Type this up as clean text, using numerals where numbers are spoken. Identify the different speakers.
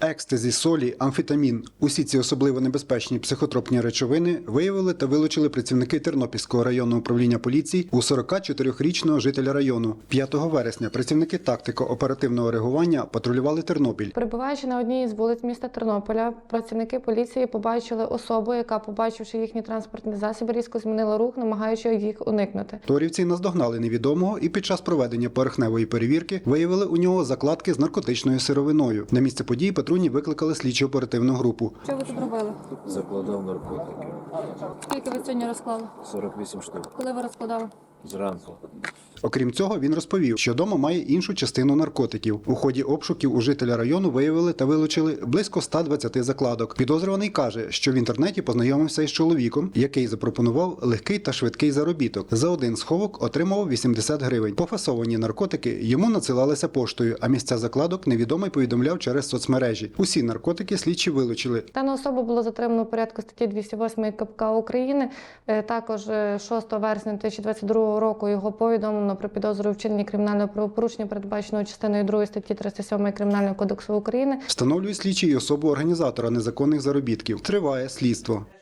Speaker 1: екстазі, солі, амфетамін – усі ці особливо небезпечні психотропні речовини виявили та вилучили працівники Тернопільського районного управління поліції у 44-річного жителя району. 5 вересня працівники тактико-оперативного реагування патрулювали Тернопіль.
Speaker 2: Перебуваючи на одній із вулиць міста Тернополя, працівники поліції побачили особу, яка, побачивши їхні транспортні засоби, різко змінила рух, намагаючись їх уникнути.
Speaker 1: Торівці наздогнали невідомого і під час проведення поверхневої перевірки виявили у нього закладки з наркотичною сировиною. На місце події патрульні викликали слідчо-оперативну групу.
Speaker 2: Що ви тут робили?
Speaker 3: Закладав наркотики.
Speaker 2: Скільки ви сьогодні розклали?
Speaker 3: 48 штук.
Speaker 2: Коли ви розкладали?
Speaker 3: Зранку.
Speaker 1: Окрім цього, він розповів, що дома має іншу частину наркотиків. У ході обшуків у жителя району виявили та вилучили близько 120 закладок. Підозрюваний каже, що в інтернеті познайомився із чоловіком, який запропонував легкий та швидкий заробіток. За один сховок отримував 80 гривень. Пофасовані наркотики йому надсилалися поштою, а місця закладок невідомий повідомляв через соцмережі. Усі наркотики слідчі вилучили.
Speaker 2: Дану особу було затримано у порядку статті 208 КПК України. Також 6 вересня 2022 року його повідомлено про підозру у вчиненні кримінального правопорушення, передбаченого частиною 2 статті 307 Кримінального кодексу України.
Speaker 1: Встановлюють слідчі й особу організатора незаконних заробітків. Триває слідство.